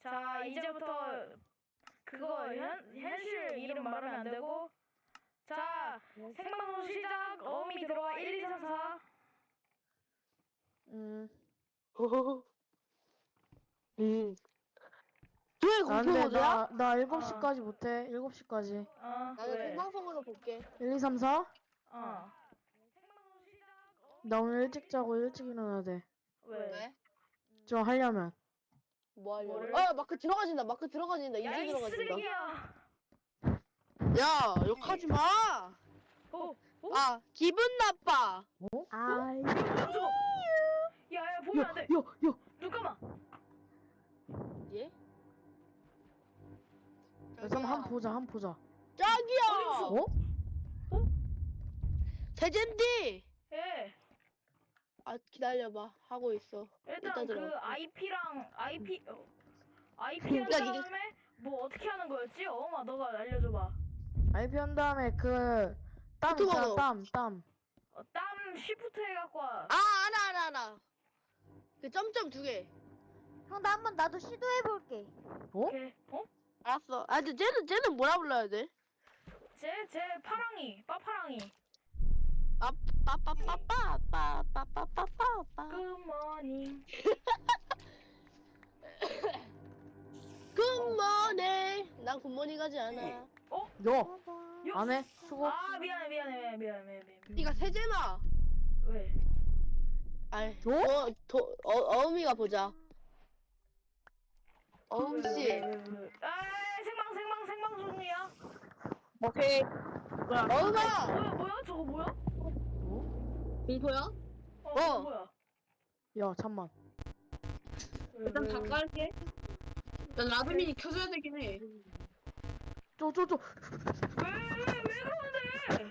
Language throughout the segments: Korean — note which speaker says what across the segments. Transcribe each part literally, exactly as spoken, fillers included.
Speaker 1: 자, 이제부터 그거 현, 현실 이름 말하면 안 되고. 자, 생방송 시작. 어음이 들어와. 일, 이, 삼, 사.
Speaker 2: 음.
Speaker 3: 호호호. 음. 왜
Speaker 2: 아, 근데
Speaker 3: 공포모드야?
Speaker 2: 나, 나 일곱 시까지 못해. 일곱 시까지.
Speaker 1: 어,
Speaker 3: 나는
Speaker 1: 왜?
Speaker 3: 생방송으로 볼게.
Speaker 2: 일, 이, 삼, 사?
Speaker 1: 어.
Speaker 2: 나 오늘 일찍 자고 일찍 일어나야 돼.
Speaker 1: 왜?
Speaker 3: 왜?
Speaker 2: 저 하려면.
Speaker 3: 뭐 하려고?
Speaker 1: 뭐를?
Speaker 3: 아, 마크 들어가진다. 마크 들어가진다.
Speaker 1: 야,
Speaker 3: 이제
Speaker 1: 이
Speaker 3: 들어가진다.
Speaker 1: 쓰레기야.
Speaker 3: 야, 욕하지 마.
Speaker 1: 어, 어?
Speaker 3: 아, 기분 나빠.
Speaker 2: 어? 아이.
Speaker 1: 뭐야, 저거? 야, 야, 보면 안 돼.
Speaker 2: 야, 야.
Speaker 1: 눈 감아.
Speaker 3: 예?
Speaker 2: 야, 잠깐 한 번 보자, 한 번 보자.
Speaker 3: 짝이야.
Speaker 2: 어?
Speaker 3: 세젠디.
Speaker 1: 예.
Speaker 3: 아, 기다려봐. 하고 있어.
Speaker 1: 일단
Speaker 3: 이따
Speaker 1: 그
Speaker 3: 들어.
Speaker 1: 아이피랑 아이피 어, 아이피 한
Speaker 3: 야, 이게-
Speaker 1: 다음에 뭐 어떻게 하는 거였지? 어마 너가 알려줘봐.
Speaker 2: 아이피 한 다음에 그, 땀
Speaker 3: 유튜브
Speaker 2: 있잖아,
Speaker 3: 번호.
Speaker 2: 땀, 땀.
Speaker 1: 어, 땀 쉬프트 해갖고 와.
Speaker 3: 아, 알아, 알아, 알아. 그 점점 두 개.
Speaker 4: 형, 나 한번 나도 시도해볼게.
Speaker 2: 어?
Speaker 1: 오케이. 어?
Speaker 3: 알았어. 아, 근데 쟤는, 쟤는 뭐라 불러야 돼?
Speaker 1: 제, 제 파랑이, 빠파랑이.
Speaker 3: 아, 빠빠빠빠빠빠빠빠빠빠.
Speaker 1: 굿모닝.
Speaker 3: 굿모닝. 난 굿모닝 하지 않아.
Speaker 1: 어?
Speaker 2: 야,
Speaker 1: 요?
Speaker 2: 안 해? 수고.
Speaker 1: 아, 미안해, 미안해, 미안해, 미안해, 미안해.
Speaker 3: 니가 세제나.
Speaker 1: 왜?
Speaker 3: 아이,
Speaker 2: 도?
Speaker 3: 어, 도, 어, 어음이가 보자. 어음씨.
Speaker 1: 왜, 왜, 왜. 아, 생방, 생방, 생방송이야.
Speaker 3: 오케이. 어음아!
Speaker 1: 뭐야, 뭐야? 저거 뭐야?
Speaker 5: 공포야?
Speaker 1: 어,
Speaker 3: 어.
Speaker 1: 뭐야?
Speaker 2: 야, 잠만.
Speaker 1: 왜,
Speaker 5: 일단
Speaker 1: 왜,
Speaker 5: 다
Speaker 1: 왜.
Speaker 5: 깔게. 난 라드민이 켜줘야 되긴 해.
Speaker 2: 쪼, 쪼, 쪼.
Speaker 1: 왜, 왜, 왜 그러는데?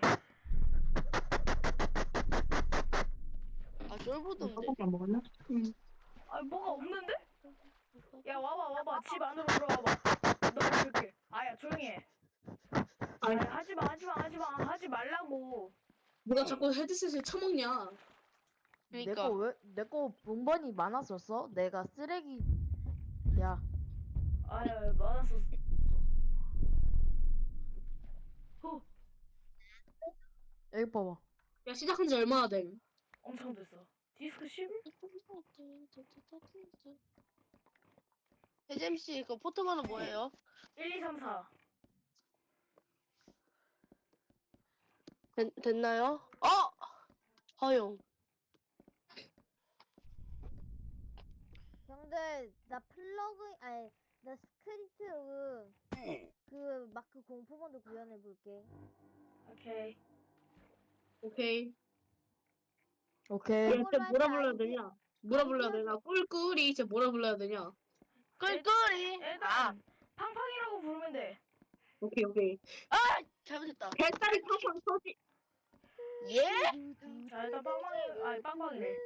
Speaker 3: 아, 쫄보던데.
Speaker 5: 안 먹었나? 응.
Speaker 1: 아, 뭐가 없는데? 야, 와봐, 와봐. 집 안으로 들어와봐. 너 이렇게. 아야, 조용히 해.
Speaker 5: 아니,
Speaker 1: 아니, 하지 마, 하지 마, 하지 마. 하지 말라고.
Speaker 5: 누가 자꾸 헤드셋을 처먹냐?
Speaker 2: 내
Speaker 3: 그니까.
Speaker 2: 거 왜, 내 거 본번이 많았었어? 내가 쓰레기. 야,
Speaker 1: 아야, 많았었어. 후,
Speaker 2: 여기 봐봐.
Speaker 5: 야, 시작한 지 얼마나 됨?
Speaker 1: 엄청 됐어. 디스크 십일?
Speaker 3: 세잼씨, 그 포토번호 뭐예요?
Speaker 1: 일, 이, 삼, 사.
Speaker 3: 됐, 됐나요? 어! 허용.
Speaker 4: 형들, 나 플러그인, 아니, 나 스크립트, 그, 마크 공포본도 구현해볼게.
Speaker 1: 오케이.
Speaker 5: 오케이.
Speaker 2: 오케이.
Speaker 5: 야,
Speaker 4: 그걸로
Speaker 5: 진짜 뭐라
Speaker 4: 할때
Speaker 5: 불러야
Speaker 4: 아이디-
Speaker 5: 되냐? 뭐라 불러야 되냐? 꿀꿀이 진짜 뭐라 불러야 되냐?
Speaker 3: 꿀꿀이! 아,
Speaker 1: 일단, 팡팡이라고 부르면 돼.
Speaker 5: 오케이, 오케이.
Speaker 3: 아! 잘못했다.
Speaker 5: 뱃살이 팡팡 터지.
Speaker 3: 예?
Speaker 1: 자, 일단 빵빵이, 아니, 빵빵이래.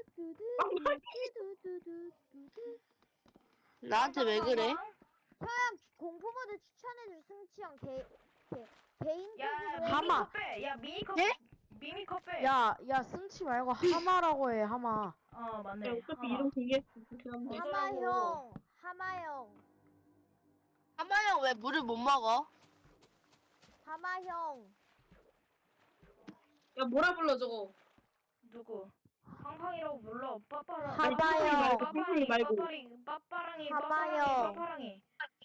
Speaker 4: 두두두두두두두두.
Speaker 3: 나한테 왜 그래?
Speaker 1: 빵빵.
Speaker 4: 형, 공포모드 추천해줄 승치 형, 개, 개, 개인적으로
Speaker 1: 야,
Speaker 4: 해.
Speaker 2: 하마.
Speaker 1: 미니컵 빼. 야, 미니컵.
Speaker 3: 예?
Speaker 1: 미니컵 빼.
Speaker 2: 야, 야, 승치 말고 하마라고 해, 하마.
Speaker 1: 어, 맞네.
Speaker 5: 야, 어차피
Speaker 1: 하마.
Speaker 5: 이런 공개 그렇긴 한데.
Speaker 4: 하마 형, 하마 형,
Speaker 3: 하마형 왜 물을 못 먹어?
Speaker 4: 하마 형.
Speaker 5: 야, 뭐라 불러 저거?
Speaker 1: 누구? 팡팡이라고 불러. 빠빠라.
Speaker 2: 하마요.
Speaker 1: 빠빠랑이,
Speaker 5: 말고.
Speaker 1: 빠빠리, 빠빠랑이,
Speaker 4: 하마요.
Speaker 1: 빠빠랑이, 빠빠랑이.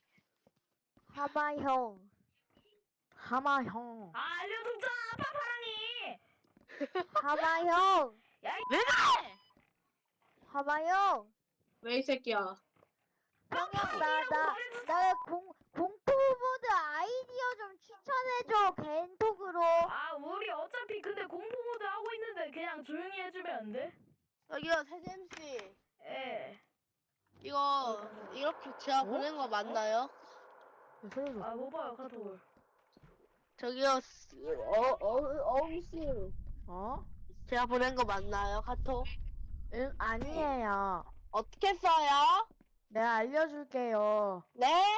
Speaker 4: 하마 형.
Speaker 2: 하마 형.
Speaker 1: 아, 알려줬잖아, 빠빠랑이.
Speaker 4: 하마 형.
Speaker 1: 야, 이
Speaker 3: 왜 그래?
Speaker 4: 하마 형.
Speaker 5: 왜 이 새끼야?
Speaker 4: 형, 형, 나, 나, 나 공, 공포모드 아이디어 좀 추천해줘, 개인톡으로.
Speaker 1: 아, 우리 어차피 근데 공포 모드 하고 있는데 그냥 조용히 해주면 안 돼?
Speaker 3: 저기요, 세잼씨.
Speaker 1: 예.
Speaker 3: 이거, 이렇게 제가 보낸 거 맞나요?
Speaker 2: 야, 살려줘.
Speaker 1: 아, 못 봐요, 카톡을.
Speaker 3: 저기요, 스- 어, 어, 어음씨.
Speaker 2: 어?
Speaker 3: 제가 보낸 거 맞나요? 카톡?
Speaker 2: 응, 아니에요.
Speaker 3: 어떻게 써요?
Speaker 2: 내가 알려줄게요.
Speaker 3: 네?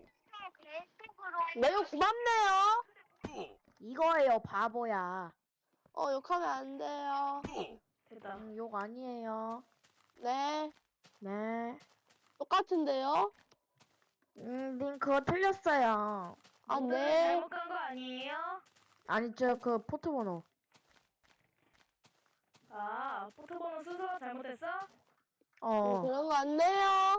Speaker 3: 매우 고맙네요.
Speaker 2: 이거예요, 바보야.
Speaker 3: 어, 욕하면 안 돼요.
Speaker 1: 됐다.
Speaker 2: 응, 욕 아니에요.
Speaker 3: 네.
Speaker 2: 네.
Speaker 3: 똑같은데요?
Speaker 2: 음, 님 그거 틀렸어요.
Speaker 3: 아,
Speaker 1: 모두를
Speaker 3: 네.
Speaker 1: 잘못 간 거 아니에요?
Speaker 2: 아니 저 그 포트번호.
Speaker 1: 아, 포토번호 순서 잘못했어?
Speaker 3: 어,
Speaker 2: 어.
Speaker 3: 그런 거 안 돼요.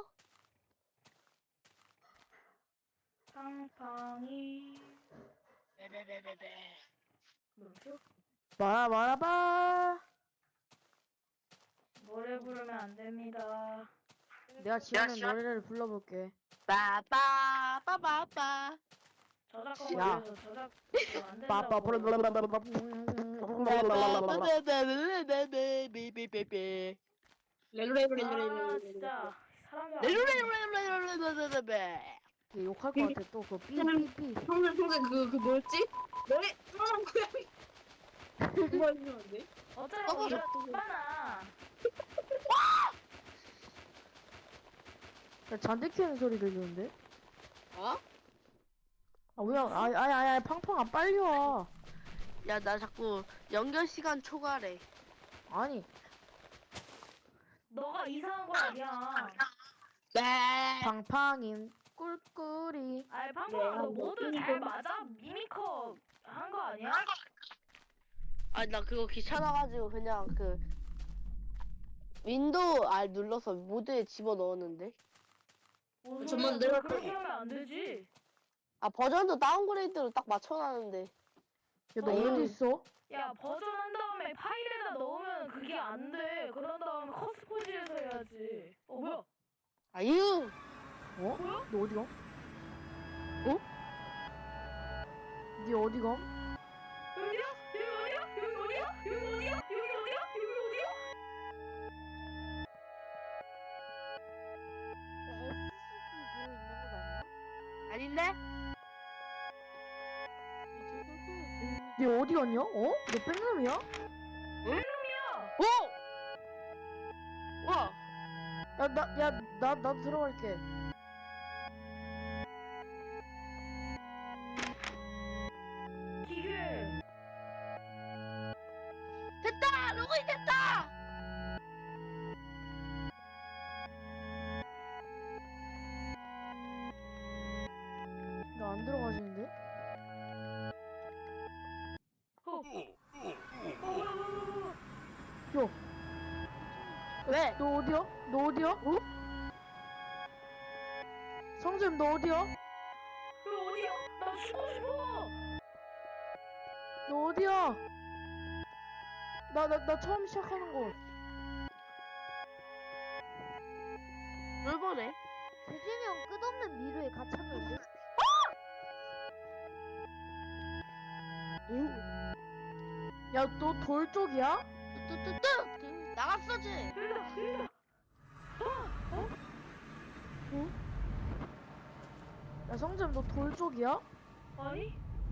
Speaker 1: 팡팡이. 뭐죠?
Speaker 2: 말아 말아봐.
Speaker 1: 노래 부르면 안 됩니다.
Speaker 2: 내가 지원의 노래를 불러볼게.
Speaker 3: 빠빠 빠빠빠.
Speaker 1: 저작권
Speaker 2: 야.
Speaker 1: 걸려서 저작 안
Speaker 2: 빠빠
Speaker 1: 된다고.
Speaker 3: 네네네네네네네네네네.
Speaker 1: 아,
Speaker 5: 렐로레브렐로레브렐로레.
Speaker 1: 진짜 사람들 안
Speaker 3: 네네네네네네네네.
Speaker 2: 욕할 것 같아 또 그 삐삐삐.
Speaker 5: 평생 평생 그, 그 뭐였지? 너의 사랑 고양이. 그거 해주면 안 돼?
Speaker 1: 어쩌라고
Speaker 3: 어,
Speaker 1: 이런 많아.
Speaker 2: 야 잔디 키우는 소리 들리는데?
Speaker 3: 어?
Speaker 2: 아 뭐야? 아이 아이 아이 팡팡아 빨리 와.
Speaker 3: 야, 나 자꾸 연결 시간 초과래.
Speaker 2: 아니
Speaker 1: 너가 이상한 거 아니야.
Speaker 3: 네.
Speaker 2: 팡팡인 꿀꿀이.
Speaker 1: 아이 팡팡아 너 모두 잘 맞아? 미미커 한 거 아니야?
Speaker 3: 아, 나 그거 귀찮아가지고 그냥 그 윈도우 R 눌러서 모드에 집어 넣었는데.
Speaker 1: 뭐
Speaker 5: 정말
Speaker 1: 소리야,
Speaker 5: 내가
Speaker 1: 너 그렇게 하면 안 되지.
Speaker 3: 아, 버전도 다운그레이드로 딱 맞춰놨는데.
Speaker 2: 야 너
Speaker 1: 어.
Speaker 2: 어디 있어?
Speaker 1: 야 버전 한 다음에 파일에다 넣으면 그게 안 돼. 그런 다음에 커스포지에서 해야지. 어 뭐야?
Speaker 3: 아유.
Speaker 2: 어?
Speaker 1: 뭐야?
Speaker 2: 너 어디 가? 어? 니 어디 가?
Speaker 1: 여기야? 여기 어디야? 여기 어디야? 여기 어디야? 여기 어디야? 여기 어디야?
Speaker 3: 아닌데?
Speaker 2: 니 어디 갔냐? 어? 너 백놈이야?
Speaker 1: 놈이야.
Speaker 3: 오! 와!
Speaker 2: 야 나 야 나 나도 들어갈게.
Speaker 1: 기계.
Speaker 3: 됐다! 로그인 됐다!
Speaker 2: 나 안 들어가시는데?
Speaker 1: 어. 어 뭐야 뭐야 뭐야.
Speaker 2: 야,
Speaker 3: 왜?
Speaker 2: 너 어디야? 너 어디야? 어? 성재님 너 어디야?
Speaker 1: 여기 어디야? 나 죽고 싶어.
Speaker 2: 너 어디야? 나 나 나 처음 시작하는 거.
Speaker 3: 뭘 보네?
Speaker 4: 재진이 형 끝없는 미루에 갇혔는데?
Speaker 2: 야 너 돌 쪽이야?
Speaker 3: 뚜뚜뚜뚜! 나갔어지?
Speaker 1: 여기다 여기다.
Speaker 2: 야 성재님 너 돌 쪽이야?
Speaker 1: 아니?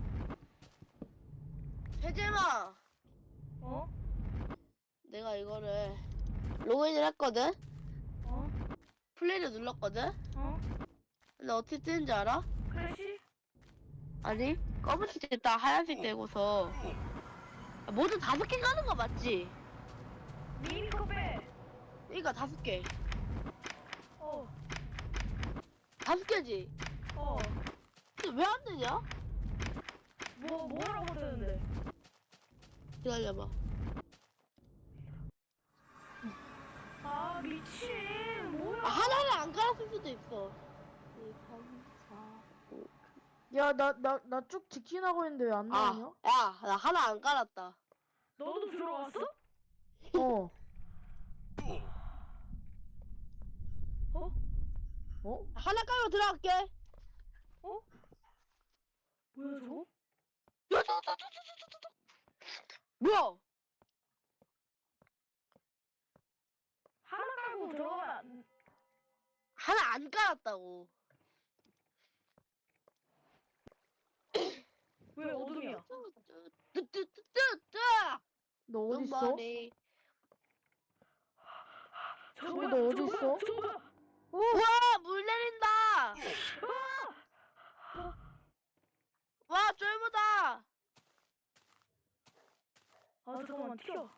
Speaker 3: 세재마!
Speaker 1: 어?
Speaker 3: 내가 이거를 로그인을 했거든?
Speaker 1: 어?
Speaker 3: 플레이를 눌렀거든?
Speaker 1: 어?
Speaker 3: 근데 어떻게 뜨는지 알아?
Speaker 1: 크래시?
Speaker 3: 아니 검은색 됐다 하얀색 되고서 모두 다섯 개 가는 거 맞지?
Speaker 1: 미미커 빼.
Speaker 3: 그러니까 다섯 개
Speaker 1: 어.
Speaker 3: 다섯 개지?
Speaker 1: 어.
Speaker 3: 근데 왜 안 되냐?
Speaker 1: 뭐 뭐라고 뜨는데?
Speaker 3: 기다려봐.
Speaker 1: 아 미친 뭐야?
Speaker 3: 아, 하나를 안 깔았을 수도 있어.
Speaker 2: 야 나 나 나 쭉 직진하고 있는데 왜 안
Speaker 3: 아,
Speaker 2: 나오냐?
Speaker 3: 야, 나 하나 안 깔았다.
Speaker 1: 너도 들어왔어?
Speaker 2: 어.
Speaker 1: 어?
Speaker 2: 어?
Speaker 3: 하나 깔고 들어갈게.
Speaker 1: 어? 뭐야 저거?
Speaker 3: 야, 저, 저, 저, 저, 저, 저, 저, 저. 뭐야?
Speaker 1: 하나 깔고 들어가면 안...
Speaker 3: 하나 안 깔았다고.
Speaker 1: 왜 어둠이야?
Speaker 3: 뚜뚜뚜뚜뚜.
Speaker 2: 너 어디 있어?
Speaker 3: Somebody.
Speaker 1: 저
Speaker 2: 성우,
Speaker 1: 뭐야?
Speaker 2: 너 어디
Speaker 1: 저
Speaker 2: 있어?
Speaker 1: 뭐야? 저 뭐야?
Speaker 3: 우와, 물 내린다. 와, 쫄보다.
Speaker 1: 아 잠깐만 튀어.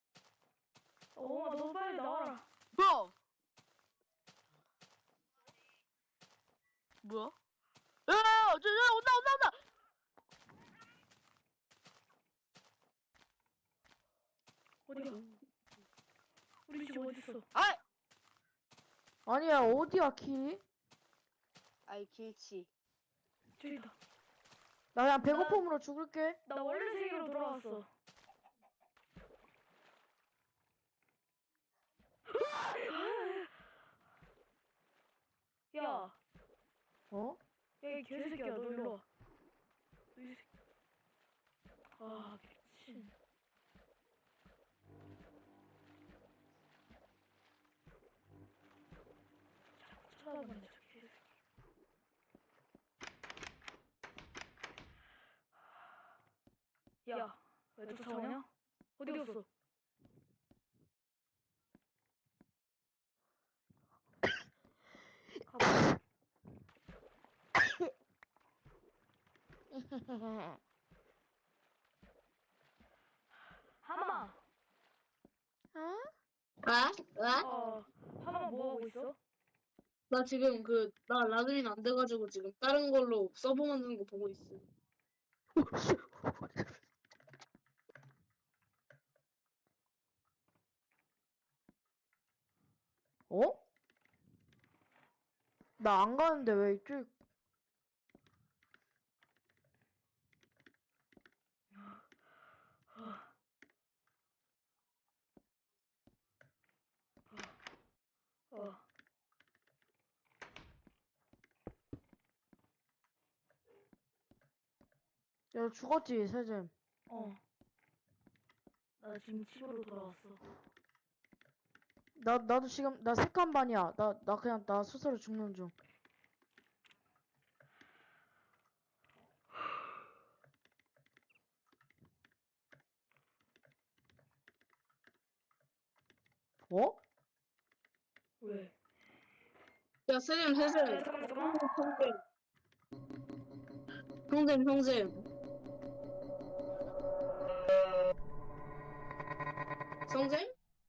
Speaker 1: 어머 너 빨리 나와라.
Speaker 3: 뭐야? 뭐야? 야, 저, 저, 온다, 온다, 온다!
Speaker 1: 어디야? 우리 집 어딨어?
Speaker 3: 아이!
Speaker 2: 아니야, 어디야, 키?
Speaker 3: 아이, 길치.
Speaker 1: 저기다.
Speaker 2: 나 그냥 배고픔으로 죽을게.
Speaker 1: 나 원래 세계로 돌아왔어. 야,
Speaker 2: 어?
Speaker 1: 야, 이 개새끼야, 너 일로 와. 너 이 새끼. 아, 미친. 자꾸 쳐다보네, 저 개새끼. 야, 왜 쫓아오냐? 어디 갔어? 가봐. 하마.
Speaker 2: 어?
Speaker 5: 아? 아?
Speaker 1: 어, 하마 뭐 하고 있어?
Speaker 5: 나 지금 그, 나 라그린 안 돼가지고 지금 다른 걸로 서버 만드는 거 보고 있어.
Speaker 2: 어? 나 안 가는데 왜 이쪽?
Speaker 1: 어,
Speaker 2: 야, 죽었지, 세잼.
Speaker 1: 어. 나 지금 집으로 돌아왔어.
Speaker 2: 나, 나도 지금, 나 색한 반이야. 나, 나 그냥, 나 스스로 죽는 중. 어?
Speaker 1: 왜?
Speaker 5: 야, 세잼,
Speaker 1: 야,
Speaker 5: 세잼.
Speaker 1: 잠깐만, 잠깐만.
Speaker 5: 형잼, 형잼. 성잼?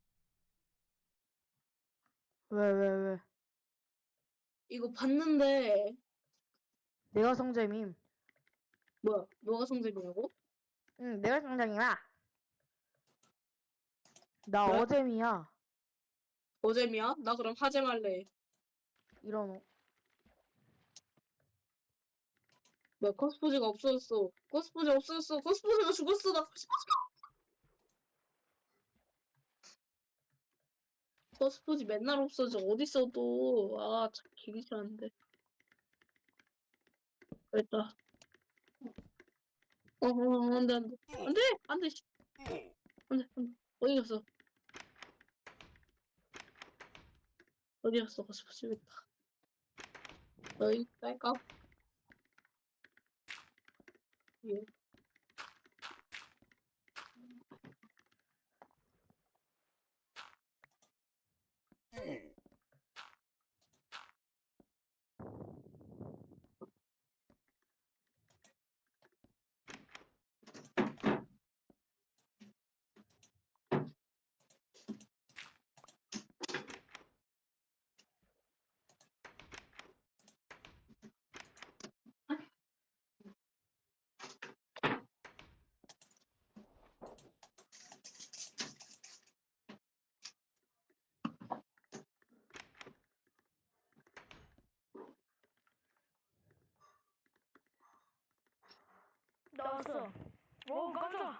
Speaker 2: 왜, 왜, 왜?
Speaker 5: 이거 봤는데,
Speaker 2: 내가 성잼임.
Speaker 5: 뭐야, 너가 성잼이라고?
Speaker 2: 응, 내가 성잼이야. 나
Speaker 5: 왜?
Speaker 2: 어잼이야.
Speaker 5: 어잼이야? 나 그럼 하잼 할래.
Speaker 2: 이런 어.
Speaker 5: 뭐야, 코스포즈가 없어졌어. 코스포즈 없어졌어. 코스포즈가 죽었어. 나 코스포즈가. 코스포즈 맨날 없어져. 어딨어, 또. 아, 참, 기기 싫은데. 됐다. 어, 어, 어, 안 돼, 안 돼. 안 돼! 안 돼, 씨. 안 돼, 안 돼. 어디 갔어? 어디 갔어, 코스포즈. 여기 있다. 너희, 딸까? 예.
Speaker 1: 나왔어. 오, 깜짝.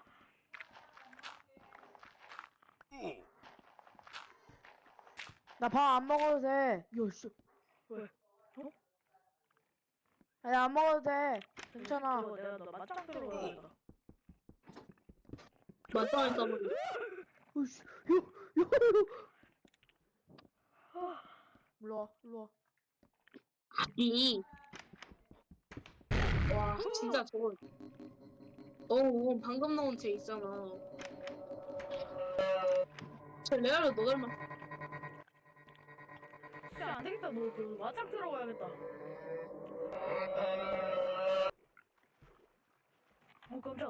Speaker 2: 나 밥 안 먹어도 돼. 야, 씨.
Speaker 1: 왜? 어?
Speaker 2: 아니, 안 먹어도 돼. 괜찮아.
Speaker 1: 이거 내가 너 맞짱 들어가야겠다.
Speaker 5: 맞짱을 떠버려.
Speaker 2: 으이씨. 요, 요, 요. 일로 와, 일로 와.
Speaker 5: 이. 와, 진짜 저거. 너 방금 나온 쟤 있잖아. 쟤 레알로 너 닮았어.
Speaker 1: 진짜 안 되겠다. 너, 너 맞짱 들어가야겠다. 어, 깜짝.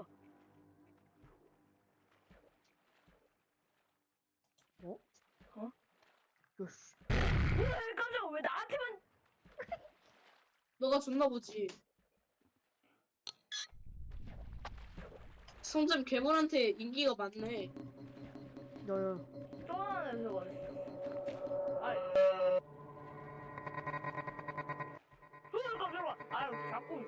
Speaker 2: 어?
Speaker 1: 어?
Speaker 2: 야, 씨.
Speaker 1: 왜 깜짝 왜 나한테만?
Speaker 5: 너가 줬나 보지. 성점 괴물한테 인기가 많네.
Speaker 2: 너요.
Speaker 1: 또 하나 냄새가 있어. 아이. 으, 깜짝아. 아유, 자꾸.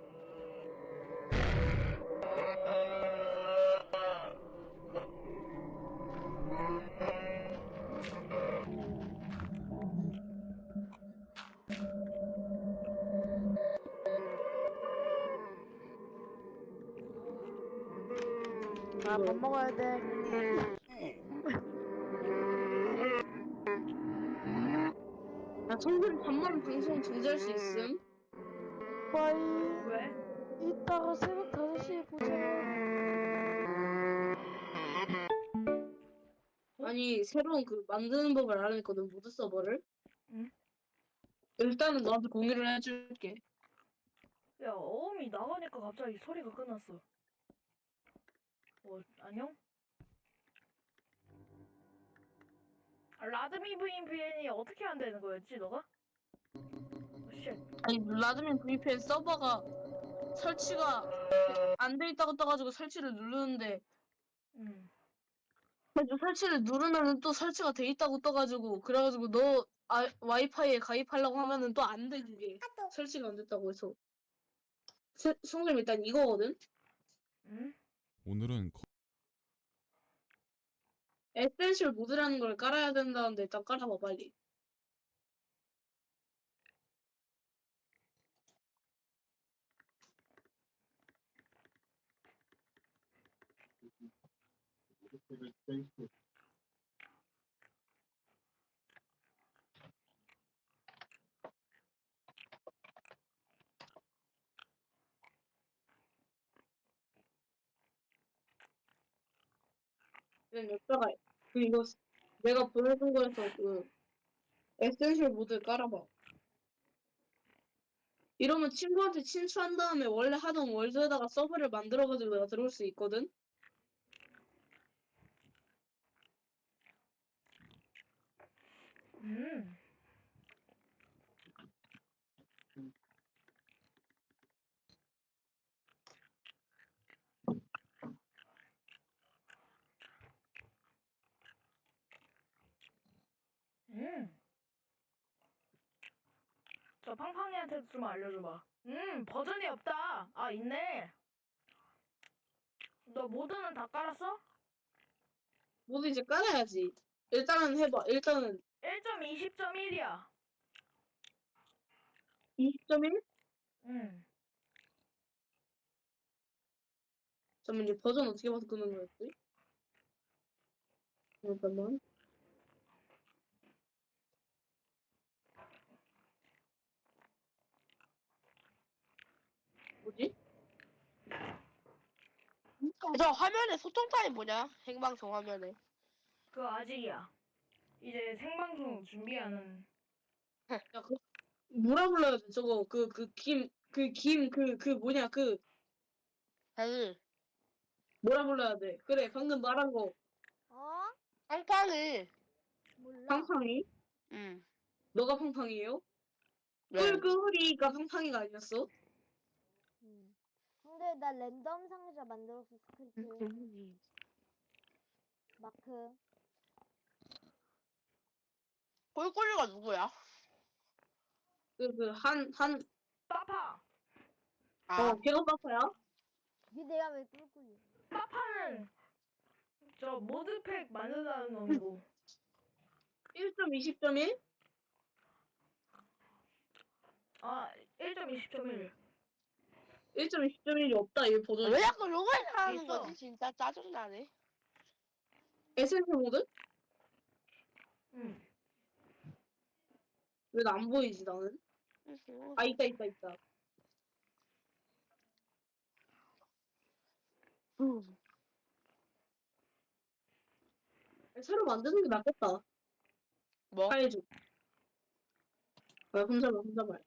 Speaker 2: 아, 밥 먹어야 돼.
Speaker 5: 야, 성점 반만 방송 중지할 수 있음?
Speaker 2: 빠이.
Speaker 1: 왜?
Speaker 2: 이따가 새벽 다섯 시에 보자.
Speaker 5: 아니, 새로운 그 만드는 법을 알아냈거든, 모드 서버를.
Speaker 1: 응?
Speaker 5: 일단은 너한테 공유를 해줄게.
Speaker 1: 야, 어음이 나가니까 갑자기 소리가 끊었어. 어, 안녕? 아, 라드미 브이피엔이 어떻게 안 되는 거였지, 너가? 어, 쉣.
Speaker 5: 아니, 라드민 브이피엔 서버가 설치가 안 돼 있다고 떠가지고 설치를 누르는데,
Speaker 1: 음.
Speaker 5: 그래서 설치를 누르면은 또 설치가 돼 있다고 떠가지고, 그래가지고 너 아, 와이파이에 가입하려고 하면은 또 안 돼, 그게. 설치가 안 됐다고 해서. 세- 성점 일단 이거거든?
Speaker 1: 음?
Speaker 6: 오늘은 거-
Speaker 5: 에센셜 모드라는 걸 깔아야 된다는데 일단 깔아봐, 빨리. 그냥 여기다가, 그 이거 내가 보내준 거에서 그 에센셜 모드 깔아봐. 이러면 친구한테 친추한 다음에 원래 하던 월드에다가 서버를 만들어가지고 내가 들어올 수 있거든?
Speaker 1: 음. 음. 저 팡팡이한테 좀 알려줘봐. 음, 버전이 없다. 아, 있네. 너 모드는 다 깔았어?
Speaker 5: 모두 이제 깔아야지. 일단은 해봐. 일단은
Speaker 1: 일 점 이십 점 일이야.
Speaker 5: 이십 점 일?
Speaker 1: 음.
Speaker 5: 잠깐만, 이제 버전 어떻게 바꾸는 거였지? 잠깐만. 뭐지?
Speaker 3: 저 화면에 소통 타임 뭐냐? 생방송 화면에.
Speaker 1: 그거 아직이야. 이제 생방송 준비하는.
Speaker 5: 야, 그, 뭐라 불러야 돼? 저거, 그, 그, 김, 그, 김, 그, 그, 뭐냐, 그,
Speaker 3: 을
Speaker 5: 뭐라 불러야 돼? 그래, 방금 말한 거.
Speaker 4: 어?
Speaker 3: 팡팡을.
Speaker 4: 몰라.
Speaker 5: 팡팡이?
Speaker 3: 응.
Speaker 5: 너가 팡팡이에요?
Speaker 3: 왜?
Speaker 5: 꿀꿀이가 팡팡이가 아니었어?
Speaker 4: 음. 근데 나 랜덤 상자 만들었어 스크립트.
Speaker 3: 음.
Speaker 4: 마크.
Speaker 3: 꿀꿀이가 누구야?
Speaker 5: 그, 그, 한, 한,
Speaker 1: 빠파.
Speaker 3: 아,
Speaker 5: 어, 걔가 빠빠야?
Speaker 4: 니 내가 왜 꿀꿀이?
Speaker 1: 빠파는 저 모드팩 만든다는 놈이고.
Speaker 5: 일 점 이십 점 일?
Speaker 1: 아, 일 점 이십 점 일.
Speaker 5: 일 점 이십 점 일이 없다, 이 버전이.
Speaker 3: 왜 자꾸 요걸 하는
Speaker 1: 있어.
Speaker 3: 거지? 진짜 짜증나네.
Speaker 5: 에센셜 모드?
Speaker 1: 응.
Speaker 5: 왜 나 안 보이지, 나는? 아, 있다, 있다, 있다.
Speaker 3: 음.
Speaker 5: 새로 만드는 게 낫겠다.
Speaker 3: 뭐?
Speaker 5: 파이즈. 아, 혼자말, 혼자말.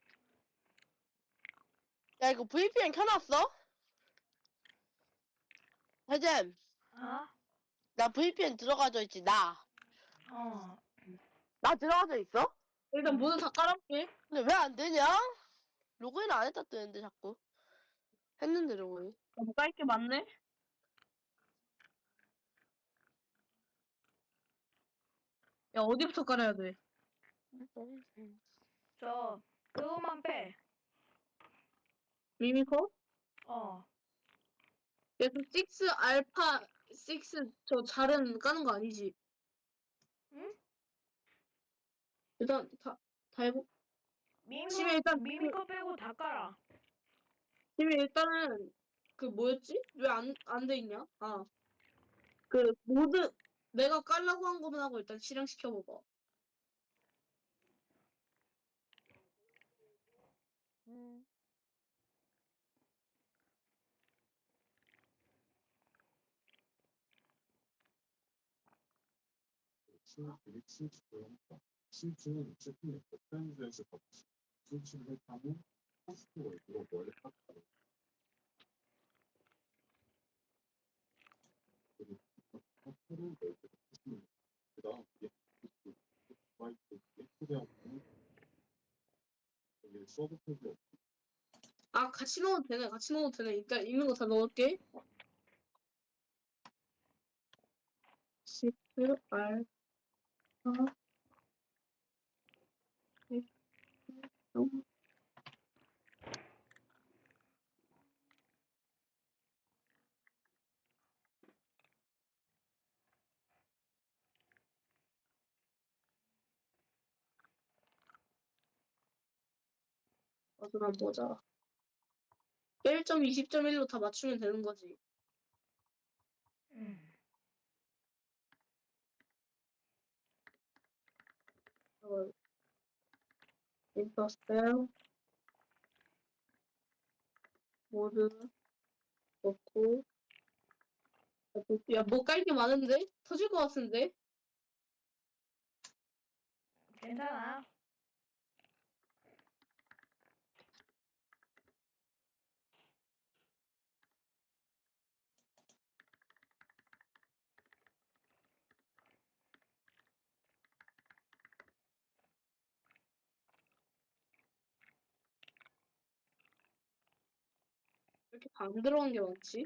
Speaker 3: 야, 이거 브이피엔 켜놨어? 해잼,
Speaker 1: 아?
Speaker 3: 나 브이피엔 들어가져 있지, 나.
Speaker 1: 어.
Speaker 3: 나 들어가져 있어?
Speaker 5: 일단 모두 다 깔아볼게.
Speaker 3: 근데 왜 안 되냐? 로그인 안 했다 뜨는데 자꾸. 했는데 로그인.
Speaker 5: 너무 깔게 많네? 야, 어디부터 깔아야 돼?
Speaker 1: 저 그것만 빼.
Speaker 5: 미미커?
Speaker 1: 어.
Speaker 5: 그래서 육 알파 육 저 잘은 까는 거 아니지?
Speaker 1: 응?
Speaker 5: 일단 다, 다 해보.
Speaker 1: 미미
Speaker 5: 심해, 일단
Speaker 1: 미미 거 빼고 다 깔아.
Speaker 5: 지금 일단은 그 뭐였지? 왜 안 안 돼 있냐? 아, 그 모드 내가 깔라고 한 것만 하고 일단 실행시켜 보고.
Speaker 4: 음.
Speaker 6: 신주는 제품의 브랜드에서 신주를 담은 포스트웨이로 원래 깎아요. 그리고 포스트를 내게 하시면 그다음 화이트 예쁘게 여기 서브페이지
Speaker 5: 아, 같이 넣어도 되네. 같이 넣어도 되네. 일단 있는 거 다 넣을게. 육 알파 어디 한번 보자. 일 점 이십 점 일로 다 맞추면 되는 거지.
Speaker 1: 음.
Speaker 5: 어, 인터스텔 모드 넣고. 야, 뭐 깔 게 많은데? 터질 것 같은데?
Speaker 1: 괜찮아.
Speaker 5: 왜 이렇게 안 들어간 게 많지?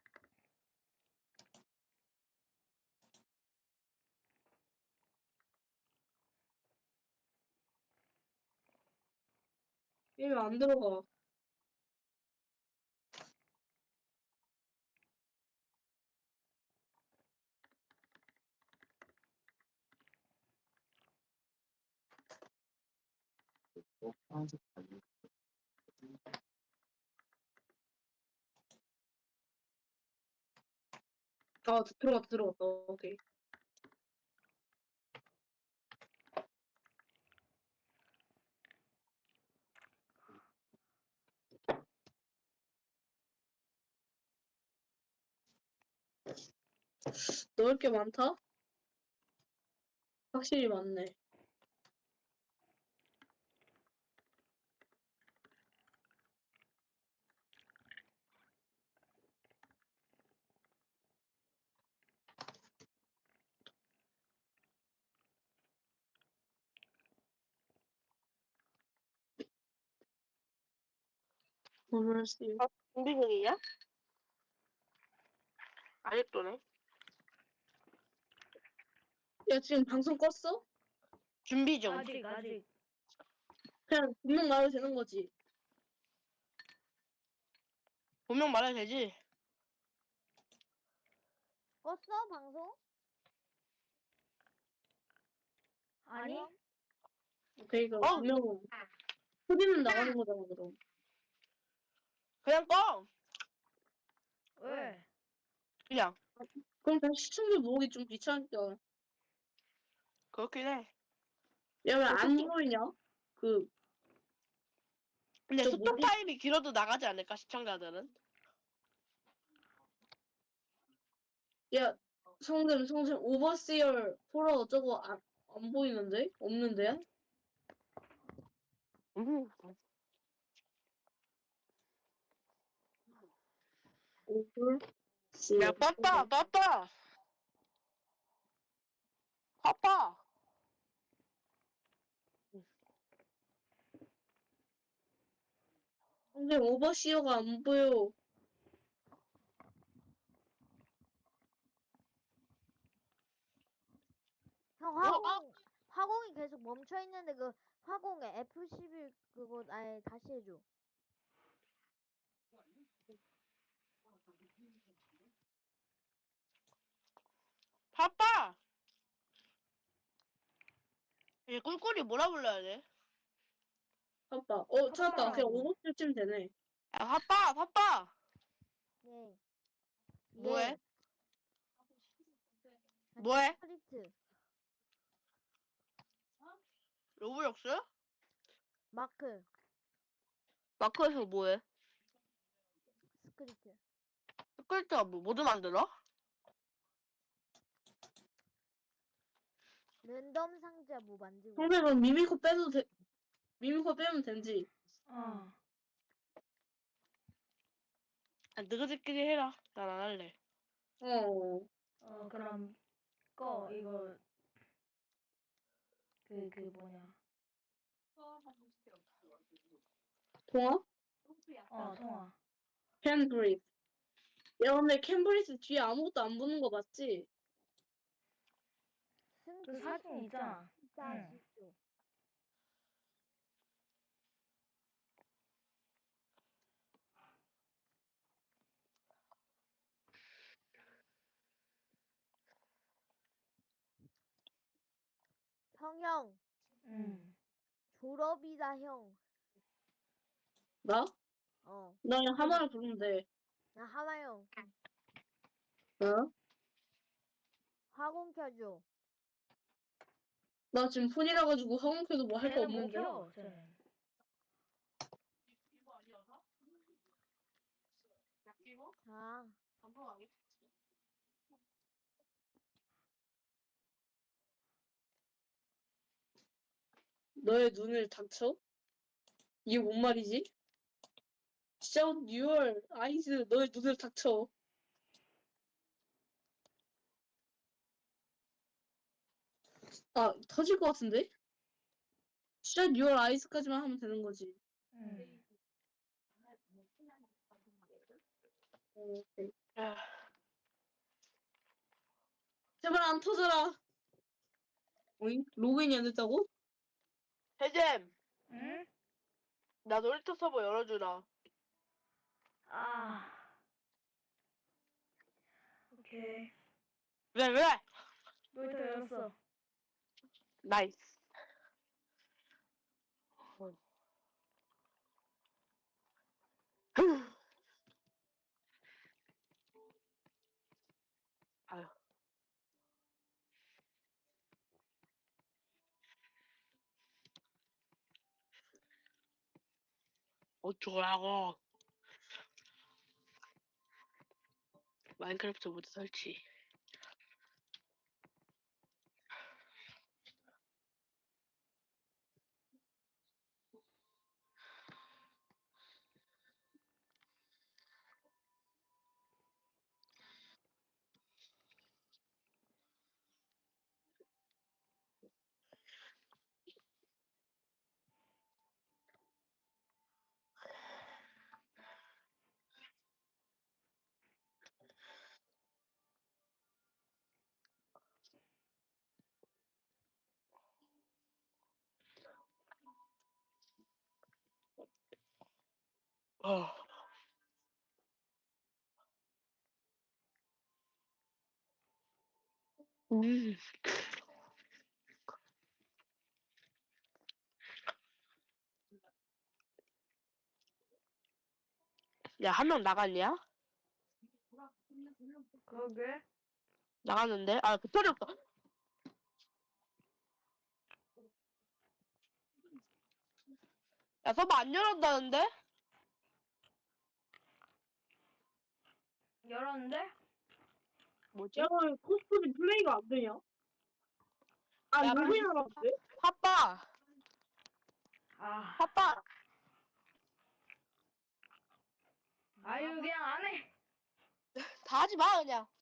Speaker 5: 얘 왜 안 들어가?
Speaker 6: 파란색 달려
Speaker 5: 아, 들어갔다, 들어갔다. 오케이. 넣을 게 많다? 확실히 많네. 오늘 씨.
Speaker 3: 어, 준비 중이야? 아직도네.
Speaker 5: 야, 지금 방송 껐어?
Speaker 3: 준비 중.
Speaker 1: 아직 아직.
Speaker 5: 그냥 분명 말해도 되는 거지.
Speaker 3: 분명 말해야 되지.
Speaker 4: 껐어 방송?
Speaker 1: 아니?
Speaker 5: 오케이, 그럼
Speaker 3: 어.
Speaker 5: 분명 소리는 나가는 거잖아, 그럼.
Speaker 3: 그냥 꺼.
Speaker 1: 왜?
Speaker 3: 그냥.
Speaker 5: 그럼 다시 시청자 모으기 좀 귀찮으니까.
Speaker 3: 그렇긴 해.
Speaker 5: 야, 왜 안 보이냐? 그,
Speaker 3: 근데
Speaker 5: 저
Speaker 3: 스톱
Speaker 5: 뭐지?
Speaker 3: 타임이 길어도 나가지 않을까 시청자들은?
Speaker 5: 야, 성금, 성금, 오버시얼, 포러 저거 안, 안 보이는데? 없는데?
Speaker 3: 음.
Speaker 5: 오버시얼.
Speaker 3: 야 떴다 떴다. 떴다.
Speaker 5: 근데 오버시어가 안 보여.
Speaker 4: 형
Speaker 3: 어,
Speaker 4: 화공
Speaker 3: 아.
Speaker 4: 화공이 계속 멈춰 있는데 그 화공에 에프 십일 그거 아예 다시 해줘.
Speaker 3: 파빠! 얘 꿀꿀이 뭐라 불러야 돼?
Speaker 5: 아빠. 어, 찾았다. 그냥
Speaker 1: 아빠라고.
Speaker 5: 오버시어 치면 되네.
Speaker 3: 야, 파빠! 파빠!
Speaker 4: 예.
Speaker 3: 뭐해?
Speaker 4: 예.
Speaker 3: 뭐해?
Speaker 4: 스크립트
Speaker 3: 로블록스?
Speaker 4: 마크
Speaker 3: 마크에서 뭐해?
Speaker 4: 스크립트.
Speaker 3: 스크립트가 뭐, 모두 만들어?
Speaker 4: 랜덤 상자 뭐 만들고.
Speaker 5: 형배 그럼 미미코 빼도 돼. 미미코 빼면 되지.
Speaker 1: 어.
Speaker 3: 아, 너희들끼리 해라. 난 안 할래.
Speaker 5: 어.
Speaker 1: 어 그럼 꺼 이거 그 그 뭐냐.
Speaker 5: 통화?
Speaker 1: 어 통화.
Speaker 5: 캠브리스. 야, 근데 캠브리스 뒤에 아무것도 안 붙는 거 맞지?
Speaker 1: 그 사진 있잖아.
Speaker 4: 응. 형형
Speaker 1: 응.
Speaker 4: 졸업이다 형.
Speaker 5: 나?
Speaker 4: 어.
Speaker 5: 나 그냥 하나를 부르면 돼.
Speaker 4: 나 하나 형.
Speaker 5: 어?
Speaker 4: 화공 켜줘.
Speaker 5: 나 지금 폰이라 가지고 학원캐도 뭐 할 거
Speaker 1: 쟤는 못
Speaker 5: 없는데.
Speaker 1: 켜. 쟤는.
Speaker 4: 자.
Speaker 5: 너의 눈을 닥쳐? 이게 뭔 말이지? Shut your eyes. 너의 눈을 닥쳐. 아, 터질 것 같은데? Shut your eyes까지만 하면 되는 거지.
Speaker 1: 응.
Speaker 5: 어, 오케이.
Speaker 3: 야,
Speaker 5: 제발 안 터져라. 오잉? 로그인이 안 됐다고?
Speaker 3: 해잼!
Speaker 1: 응?
Speaker 3: 나 놀이터 서버 열어주라.
Speaker 1: 아. 오케이.
Speaker 3: 왜, 왜?
Speaker 1: 놀이터 열었어.
Speaker 3: 나이스. 아유. 어쩌라고. 마인크래프트 모드 설치. 어. 음. 야, 한 명 나갔냐?
Speaker 1: 그러게.
Speaker 3: 나갔는데? 아, 배터리 없다. 야, 서버 안 열었다는데?
Speaker 1: 열었는데?
Speaker 3: 뭐지?
Speaker 5: 야, 왜 코스프리 플레이가 안 되냐? 아,
Speaker 3: 야,
Speaker 5: 로그인 하라는데?
Speaker 3: 파빠!
Speaker 1: 아.
Speaker 3: 파빠!
Speaker 1: 아유 그냥 안 해.
Speaker 3: 다 하지 마, 그냥.